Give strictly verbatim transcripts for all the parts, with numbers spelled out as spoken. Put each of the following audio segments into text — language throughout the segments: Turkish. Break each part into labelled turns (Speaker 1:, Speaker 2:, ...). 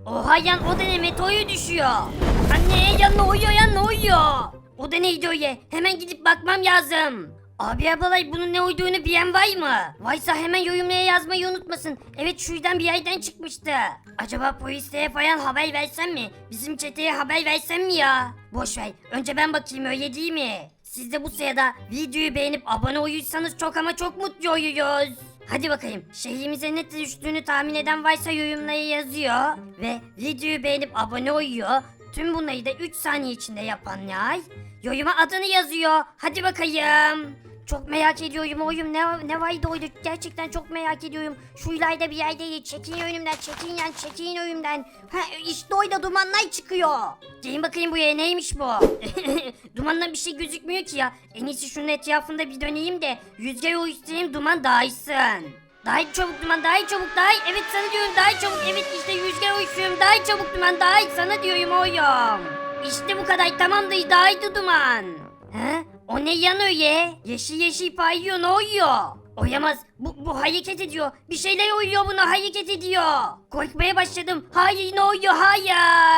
Speaker 1: Oha yan o da ne, meteoru düşüyor. Anne yan ne uyuyor yan ne uyuyor. O da neydi öyle? Hemen gidip bakmam lazım. Abi ablalay bunun ne uyduğunu bilen var mı? Varsa hemen yorumlara yazmayı unutmasın. Evet şuradan bir yerden çıkmıştı. Acaba polislere falan haber versem mi? Bizim çeteye haber versem mi ya? Boş ver. Önce ben bakayım öyle değil mi? Siz de bu sırada videoyu beğenip abone olursanız çok ama çok mutlu oluyoruz. Hadi bakayım. Şehrimize ne düştüğünü tahmin eden varsa yorumlara yazıyor. Ve videoyu beğenip abone oluyor. Tüm bunları da üç saniye içinde yapanlar yoruma adını yazıyor. Hadi bakayım. Çok merak ediyorum oyum ne, ne vardı oydu gerçekten çok merak ediyorum. Şu ileride bir yerde çekin önümden çekin yan çekin önümden. Ha işte oyda dumanlar çıkıyor. Gelin bakayım buraya neymiş bu? Dumandan bir şey gözükmüyor ki ya. En iyisi şunun etrafında bir döneyim de rüzgar oluşturayım duman dağılsın. Daha çabuk duman daha çabuk daha evet sana diyorum daha çabuk evet işte rüzgar oluşturuyorum daha çabuk duman daha sana diyorum oyum. İşte bu kadar tamamdır dağıldı duman. He? O ne yan öyle? Yeşil yeşil paylıyor ne oluyor? Oyamaz. Bu, bu hareket ediyor. Bir şeyler oluyor buna hareket ediyor. Korkmaya başladım. Hayır ne oluyor hayır.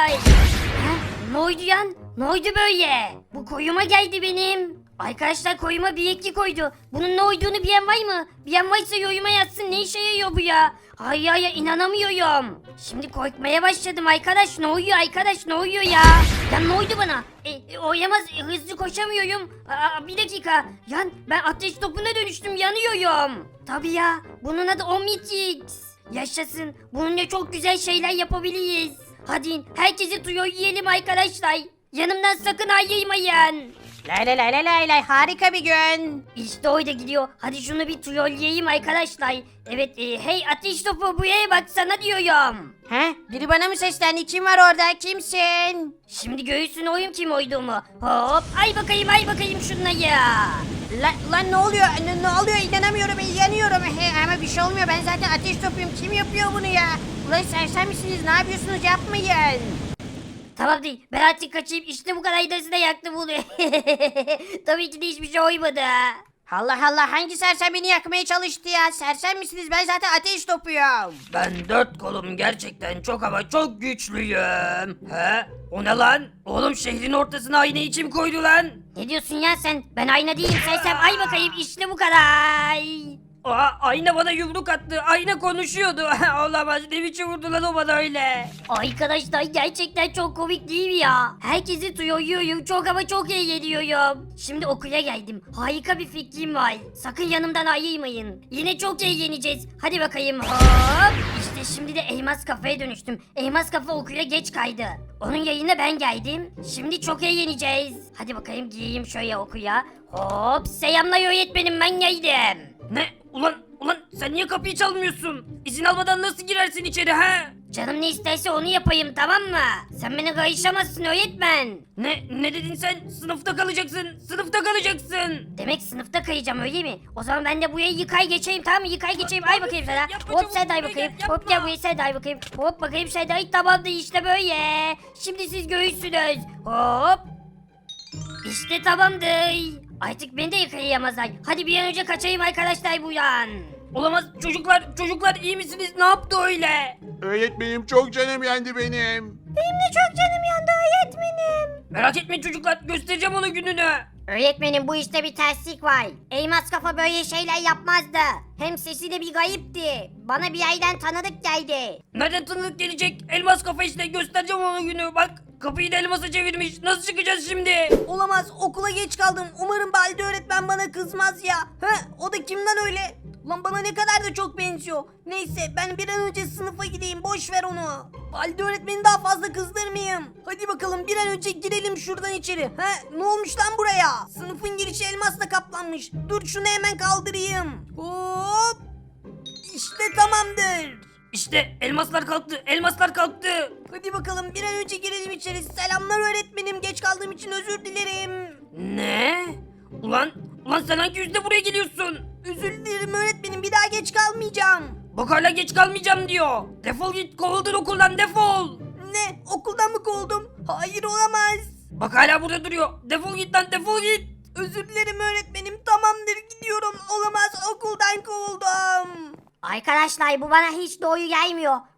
Speaker 1: Ha? Ne oldu yan? Ne oldu böyle? Bu koyuma geldi benim. Arkadaşlar koyuma bir ekli koydu. Bunun ne olduğunu bilen var mı? Bilen varsa yoruma yazsın. Ne işe yarıyor bu ya? Hayır hayır inanamıyorum. Şimdi korkmaya başladım arkadaş. Ne oluyor arkadaş ne oluyor ya? Ya ne oldu bana? E, e, oyamaz e, hızlı koşamıyorum. Aa, bir dakika. Yan ben ateş topuna dönüştüm yanıyorum. Tabii ya bunun adı Omnitrix. Yaşasın. Bununla çok güzel şeyler yapabiliriz. Hadi herkesi tuyo yiyelim arkadaşlar. Yanımdan sakın ayrılmayın.
Speaker 2: Lay lay lay lay lay lay harika bir gün.
Speaker 1: İşte oyda gidiyor. Hadi şunu bir trolleyeyim arkadaşlar. Evet e, hey ateş topu buraya bak sana diyorum.
Speaker 2: He? Biri bana mı seslendi? Kim var orada? Kimsin?
Speaker 1: Şimdi göğsün oyum kim oyduğumu. Hop ay bakayım ay bakayım şunları.
Speaker 2: Lan, lan ne oluyor? Ne, ne oluyor? İnanamıyorum. Yanıyorum. He, ama bir şey olmuyor. Ben zaten ateş topuyum. Kim yapıyor bunu ya? Ulan sersem misiniz? Ne yapıyorsunuz? Yapmayın.
Speaker 1: Tamam değil ben artık kaçayım işte bu kadar iddiası da yaktı bunu. Tabii ki de hiçbir şey oymadı.
Speaker 2: Allah Allah hangi sersem beni yakmaya çalıştı ya? Sersem misiniz? Ben zaten ateş topuyum.
Speaker 3: Ben dört kolum gerçekten çok ama çok güçlüyüm. He? O ne lan? Oğlum şehrin ortasına aynayı kim koydu lan?
Speaker 1: Ne diyorsun ya sen? Ben ayna değilim sersem ay bakayım işte bu kadar.
Speaker 3: Aa, ayna bana yumruk attı. Ayna konuşuyordu. Olamaz. Ne biçim vurdu lan o bana öyle?
Speaker 1: Arkadaşlar gerçekten çok komik değil mi ya? Herkesi duyuyorum çok ama çok eğleniyorum. Şimdi okula geldim. Harika bir fikrim var. Sakın yanımdan ayrılmayın. Yine çok eğleneceğiz. Hadi bakayım hop. İşte şimdi de elmas kafaya dönüştüm. Elmas kafa okula geç kaydı. Onun yayına ben geldim. Şimdi çok eğleneceğiz. Hadi bakayım giyeyim şöyle okuya. Hop selamlar öğretmenim ben geldim.
Speaker 3: Ne? Ulan ulan sen niye kapıyı çalmıyorsun? İzin almadan nasıl girersin içeri ha?
Speaker 1: Canım ne isterse onu yapayım tamam mı? Sen beni karışamazsın öğretmen.
Speaker 3: Ne ne dedin sen? Sınıfta kalacaksın. Sınıfta kalacaksın.
Speaker 1: Demek sınıfta kayacağım öyle mi? O zaman ben de buraya yıkay geçeyim tamam mı? Yıkay geçeyim. Ay bakayım sana.
Speaker 3: Yapma
Speaker 1: Hop
Speaker 3: çabuk,
Speaker 1: sen day
Speaker 3: buraya
Speaker 1: bakayım.
Speaker 3: gel,
Speaker 1: Hop
Speaker 3: yapma.
Speaker 1: gel buraya sen day bakayım. Hop bakayım sen day tamamdır işte böyle. Şimdi siz göğüsünüz. Hop. İşte tamamdır. Artık beni de yıkayamazlar. Hadi bir an önce kaçayım arkadaşlar buradan.
Speaker 3: Olamaz çocuklar çocuklar iyi misiniz? Ne yaptı öyle?
Speaker 4: Öğretmenim çok canım yendi benim.
Speaker 1: Çok canım yandı öğretmenim.
Speaker 3: Merak etmeyin çocuklar göstereceğim onun gününü.
Speaker 1: Öğretmenim bu işte bir terslik var. Elmas kafa böyle şeyler yapmazdı. Hem sesi de bir gayipti. Bana bir yerden tanıdık geldi.
Speaker 3: Nereden tanıdık gelecek? Elmas kafa işte göstereceğim onun günü. Bak kapıyı da elmasa çevirmiş. Nasıl çıkacağız şimdi?
Speaker 2: Olamaz okula geç kaldım. Umarım Balde öğretmen bana kızmaz ya. He, o da kimden öyle? Lan bana ne kadar da çok benziyor. Neyse ben bir an önce sınıfa gideyim boş ver onu. Balde öğretmeni daha fazla kızdırmayayım. Hadi bakalım bir an önce girelim şuradan içeri. He, ne olmuş lan buraya? Sınıfın girişi elmasla kaplanmış. Dur şunu hemen kaldırayım. Hop. İşte tamamdır.
Speaker 3: İşte elmaslar kalktı. Elmaslar kalktı.
Speaker 2: Hadi bakalım bir an önce girelim içeri. Selamlar öğretmenim. Geç kaldığım için özür dilerim.
Speaker 3: Ne? Ulan ulan sen hangi yüzle buraya geliyorsun?
Speaker 2: Özür dilerim öğretmenim. Bir daha geç kalmayacağım.
Speaker 3: Bak hala geç kalmayacağım diyor. Defol git kovuldun okuldan defol.
Speaker 2: Ne? Okuldan mı kovuldum? Hayır olamaz.
Speaker 3: Bak hala burada duruyor. Defol git lan defol git.
Speaker 2: Özür dilerim öğretmenim. Tamamdır gidiyorum. Olamaz okuldan kovuldum.
Speaker 1: Arkadaşlar bu bana hiç doğru gelmiyor. Bu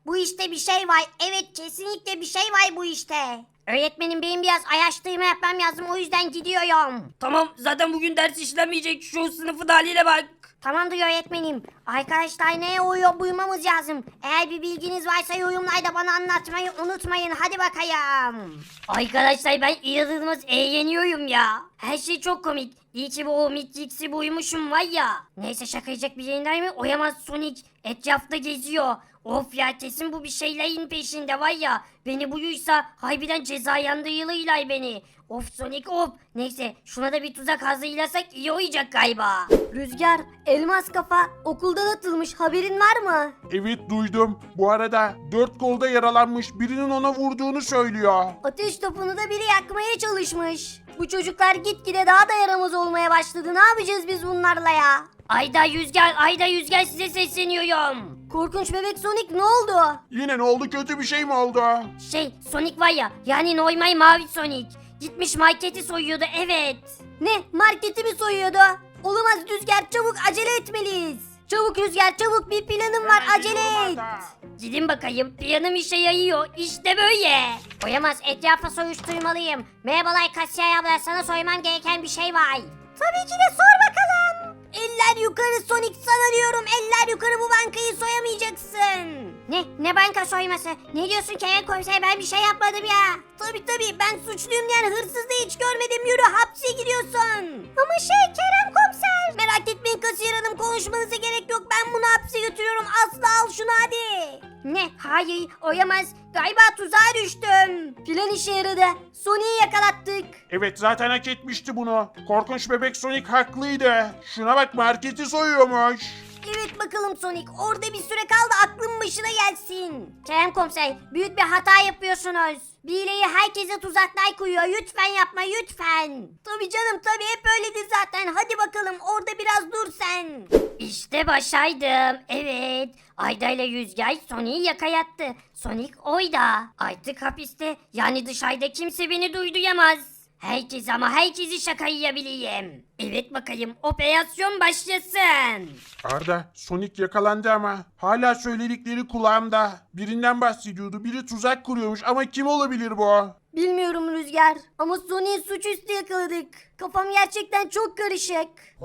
Speaker 1: Bu işte bir şey var. Evet kesinlikle bir şey var bu işte. Öğretmenim benim biraz araştırma yapmam lazım o yüzden gidiyorum.
Speaker 3: Tamam zaten bugün ders işlemeyecek. Şu sınıfın haline bak.
Speaker 1: Tamamdır öğretmenim. Arkadaşlar neye uyuyor buymamız lazım. Eğer bir bilginiz varsa yorumlarda bana anlatmayı unutmayın. Hadi bakayım. Arkadaşlar ben inanılmaz eğleniyorum ya. Her şey çok komik. İyi ki bu Omnitrix'i buymuşum var ya. Neyse şakayacak bir yayınlar mı? Oyamaz Sonic. Etrafta geziyor. Of ya kesin bu bir şeylerin peşinde var ya. Beni buyuysa harbiden ceza yandırılırlar beni. Of Sonic of. Neyse şuna da bir tuzak hazırlasak iyi olacak galiba. Rüzgar, elmas kafa okuldan atılmış haberin var mı?
Speaker 4: Evet duydum. Bu arada dört kolda yaralanmış, birinin ona vurduğunu söylüyor.
Speaker 1: Ateş topunu da biri yakmaya çalışmış. Bu çocuklar gitgide daha da yaramaz olmaya başladı. Ne yapacağız biz bunlarla ya? Ayda Rüzgar, Ayda Rüzgar size sesleniyorum. Korkunç bebek Sonic ne oldu?
Speaker 4: Yine ne oldu, kötü bir şey mi oldu?
Speaker 1: Şey Sonic var ya yani normal mavi Sonic. Gitmiş marketi soyuyordu evet. Ne marketi mi soyuyordu? Olamaz Rüzgar çabuk acele etmeliyiz. Çabuk Rüzgar çabuk bir planım var acele et. Gidin bakayım planım işe yarıyor işte böyle. Oyamaz etrafa soruşturmalıyım. Merhabalar kasiyer abla sana sormam gereken bir şey var. Tabii ki de sor bakalım. Eller yukarı Sonic sana diyorum eller yukarı bu bankayı soyamayacaksın. Ne? Ne banka soyması? Ne diyorsun Kerem komiser ben bir şey yapmadım ya. Tabii tabii ben suçluyum yani hırsızı hiç görmedim yürü hapse gidiyorsun. Ama şey Kerem komiser. Merak etmeyin kasiyer hanım konuşmanıza gerek yok ben bunu hapse götürüyorum asla al şunu hadi. Ne? Hayır oyamaz. Galiba tuzağa düştüm. Plan işe yaradı. Sonic'i yakalattık.
Speaker 4: Evet zaten hak etmişti bunu. Korkunç bebek Sonic haklıydı. Şuna bak marketi soyuyormuş.
Speaker 1: Evet bakalım Sonic orada bir süre kaldı aklın başına gelsin. Kerem komiser büyük bir hata yapıyorsunuz. Birileri herkese tuzaklar koyuyor lütfen yapma lütfen. Tabii canım tabii hep öyledir zaten hadi bakalım orada biraz dur sen. İşte başaydım evet. Ayda ile Rüzgar Sonic'i yakayattı. Sonic oyda. Artık hapiste yani dışarıda kimse beni duyduyamaz. Herkes ama herkesi şaka yiyebileyim. Evet bakayım operasyon başlasın.
Speaker 4: Arda, Sonic yakalandı ama hala söyledikleri kulağımda. Birinden bahsediyordu. Biri tuzak kuruyormuş ama kim olabilir bu?
Speaker 1: Bilmiyorum Rüzgar ama Sonic'i suçüstü yakaladık. Kafam gerçekten çok karışık.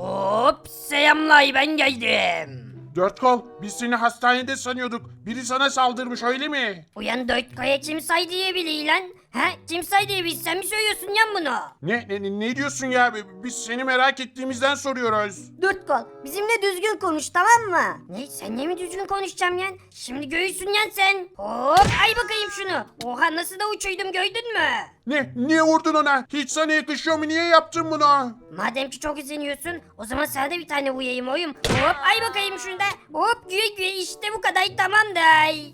Speaker 3: Hop selamlay ben geldim.
Speaker 4: Dört kol, biz seni hastanede sanıyorduk. Biri sana saldırmış öyle mi?
Speaker 1: Uyan dört kaya kim say diyebilir lan? Ha kim say diyebilir sen mi söylüyorsun yan bunu?
Speaker 4: Ne, ne, ne diyorsun ya? Biz seni merak ettiğimizden soruyoruz.
Speaker 1: Dört kol bizimle düzgün konuş tamam mı? Ne senle mi düzgün konuşacağım yan? Şimdi göğüsün yan sen. Hop ay bakayım şunu. Oha nasıl da uçuydum gördün mü?
Speaker 4: Ne? Niye vurdun ona? Hiç sana yakışıyor mu? Niye yaptın bunu?
Speaker 1: Madem ki çok izleniyorsun o zaman sana da bir tane vurayım oyum. Hop ay bakayım şunda. Hop güye güye işte bu kadar tamamdır.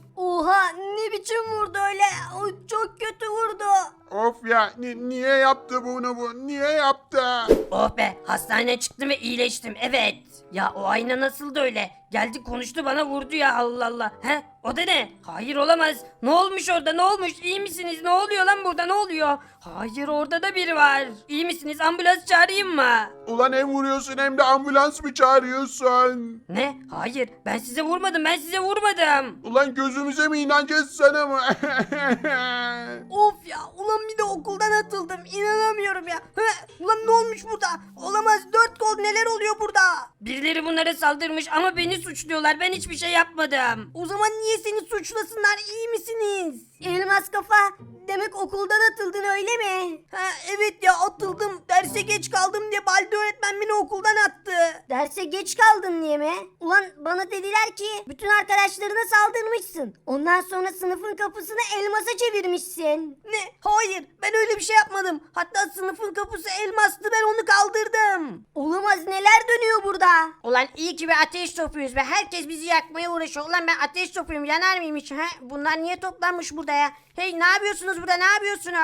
Speaker 1: Oha ne biçim vurdu öyle? O çok kötü vurdu.
Speaker 4: Of ya, ni- niye yaptı bunu bu? Niye yaptı?
Speaker 3: Oh be hastaneden çıktım ve iyileştim evet. Ya o ayna nasıldı öyle? Geldi konuştu bana vurdu ya Allah Allah. He o da ne? Hayır olamaz. Ne olmuş orada ne olmuş? İyi misiniz? Ne oluyor lan burada ne oluyor? Hayır orada da biri var. İyi misiniz? Ambulans çağırayım mı?
Speaker 4: Ulan hem vuruyorsun hem de ambulans mı çağırıyorsun?
Speaker 3: Ne? Hayır ben size vurmadım ben size vurmadım.
Speaker 4: Ulan gözümüze mi inanacağız sana mı?
Speaker 2: Of ya ulan bir de okuldan atıldım inanamıyorum ya. Hı, ulan ne olmuş burada? Olamaz dört kol neler oluyor burada?
Speaker 3: Birileri bunlara saldırmış ama beni suçluyorlar. Ben hiçbir şey yapmadım.
Speaker 2: O zaman niye seni suçlasınlar iyi misiniz?
Speaker 1: Elmas kafa demek okuldan atıldın öyle mi?
Speaker 2: Ha evet ya atıldım. Derse geç kaldım diye Baldi öğretmen beni okuldan attı.
Speaker 1: Derse geç kaldın diye mi? Ulan bana dediler ki bütün arkadaşlarına saldırmışsın. Ondan sonra sınıfın kapısını elmasa çevirmişsin.
Speaker 2: Ne? Hayır ben öyle bir şey yapmadım. Hatta sınıfın kapısı elmastı ben onu kaldırdım.
Speaker 1: Olamaz neler dönüyor burada?
Speaker 2: Ulan iyi ki bir ateş topuyuz ve herkes bizi yakmaya uğraşıyor. Ulan ben ateş topuyum yanar mıyım hiç? Ha? Bunlar niye toplanmış burada ya? Hey ne yapıyorsunuz burada ne yapıyorsunuz?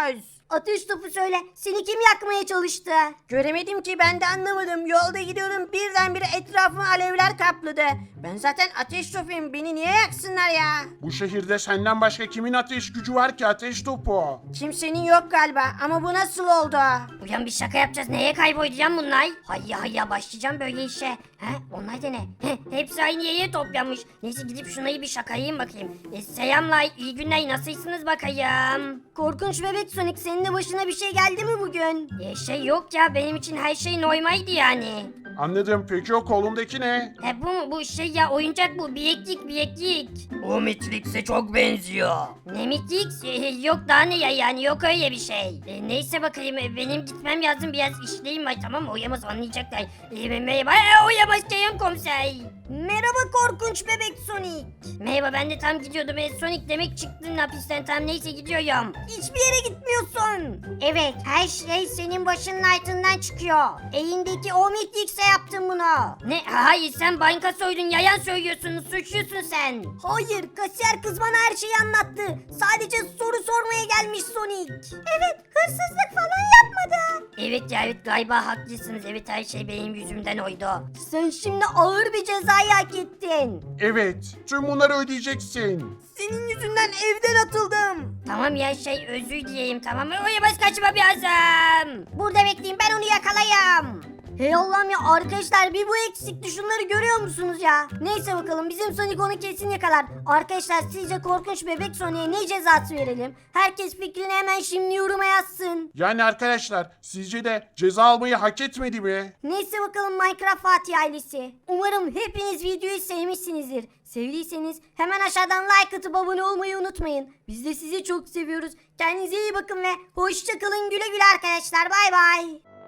Speaker 2: Ateş topu söyle. Seni kim yakmaya çalıştı? Göremedim ki, ben de anlamadım. Yolda gidiyorum, birdenbire etrafımı alevler kapladı. Ben zaten ateş topuyum. Beni niye yaksınlar ya?
Speaker 4: Bu şehirde senden başka kimin ateş gücü var ki ateş topu?
Speaker 2: Kimsenin yok galiba, ama bu nasıl oldu?
Speaker 1: Uyan bir şaka yapacağız. Neye kaybolacağım bunlar? Hayya hayya başlayacağım böyle işe. He? Onlar da ne? He, hepsi aynı yere toplanmış. Neyse gidip şunayı bir şakayım bakayım. E, selamlar, iyi günler, nasılsınız bakayım?
Speaker 2: Korkunç bebek Sonic, senin de başına bir şey geldi mi bugün?
Speaker 1: E, şey yok ya, benim için her şey normaldi yani.
Speaker 4: Anladım. Peki o kolundaki ne?
Speaker 1: He bu mu? Bu şey ya, oyuncak bu. Bileklik bileklik.
Speaker 3: O Matrix'e çok benziyor.
Speaker 1: Ne Matrix? E, yok daha ne ya, yani yok öyle bir şey. E, neyse bakayım, e, benim gitmem lazım, biraz işleyim var, tamam mı? Oyamaz anlayacaklar. E, merhaba, e, oyamaz Kerem komiser.
Speaker 2: Merhaba korkunç bebek Sonic.
Speaker 1: Merhaba, ben de tam gidiyordum. E, Sonic demek çıktın hapisten, tam neyse gidiyorum.
Speaker 2: Hiçbir yere gitmiyorsun. Evet, her şey senin başının altından çıkıyor. Elindeki o Matrix'e yaptın bunu.
Speaker 1: Ne? Hayır, sen banka soydun, yalan söylüyorsun, suçlusun sen.
Speaker 2: Hayır, kasiyer kız bana her şeyi anlattı. Sadece soru sormaya gelmiş Sonic. Evet, hırsızlık falan yapmadı.
Speaker 1: Evet ya, evet galiba haklısınız, evet her şey benim yüzümden oydu.
Speaker 2: Sen şimdi ağır bir cezayı hak ettin.
Speaker 4: Evet. Tüm bunları ödeyeceksin.
Speaker 2: Senin yüzünden evden atıldım.
Speaker 1: Tamam ya, şey özür dileyim, tamam mı? Oyamaz kaçma lazım.
Speaker 2: Burada bekleyin, ben onu yakalayayım. Hey Allah'ım ya, arkadaşlar bir bu eksikti, şunları görüyor musunuz ya? Neyse bakalım, bizim Sonic onu kesin yakalar. Arkadaşlar sizce korkunç bebek Sonic'e ne cezası verelim? Herkes fikrini hemen şimdi yoruma yazsın.
Speaker 4: Yani arkadaşlar sizce de ceza almayı hak etmedi mi?
Speaker 2: Neyse bakalım Minecraft Fatih ailesi. Umarım hepiniz videoyu sevmişsinizdir. Sevdiyseniz hemen aşağıdan like atıp abone olmayı unutmayın. Biz de sizi çok seviyoruz. Kendinize iyi bakın ve hoşça kalın, güle güle arkadaşlar, bay bay.